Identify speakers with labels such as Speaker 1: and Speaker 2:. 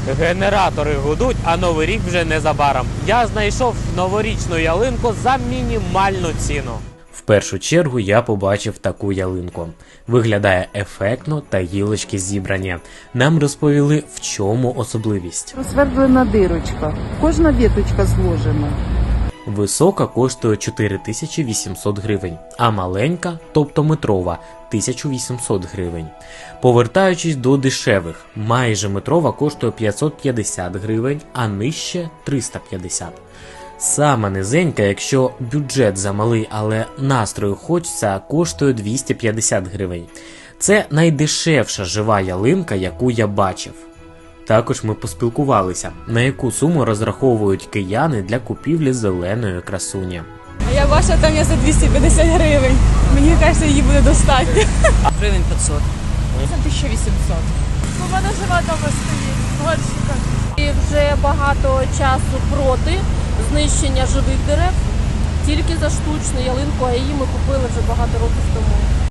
Speaker 1: Генератори гудуть, а Новий рік вже незабаром. Я знайшов новорічну ялинку за мінімальну ціну. В першу чергу я побачив таку ялинку. Виглядає ефектно та гілочки зібрані. Нам розповіли, в чому особливість.
Speaker 2: Розсвердлена дирочка. Кожна віточка зложена.
Speaker 1: Висока коштує 4800 гривень, а маленька, тобто метрова, 1800 гривень. Повертаючись до дешевих, майже метрова коштує 550 гривень, а нижче 350. Сама низенька, якщо бюджет замалий, але настрою хочеться, коштує 250 гривень. Це найдешевша жива ялинка, яку я бачив. Також ми поспілкувалися, на яку суму розраховують кияни для купівлі зеленої красуні.
Speaker 3: Я бачила, там є за 250 гривень. Мені кажеться, її буде достатньо.
Speaker 4: Гривень 500.
Speaker 3: Це 1800. У мене жива дома стоїть, горщика.
Speaker 5: І вже багато часу проти знищення живих дерев, тільки за штучну ялинку, а її ми купили вже багато років тому.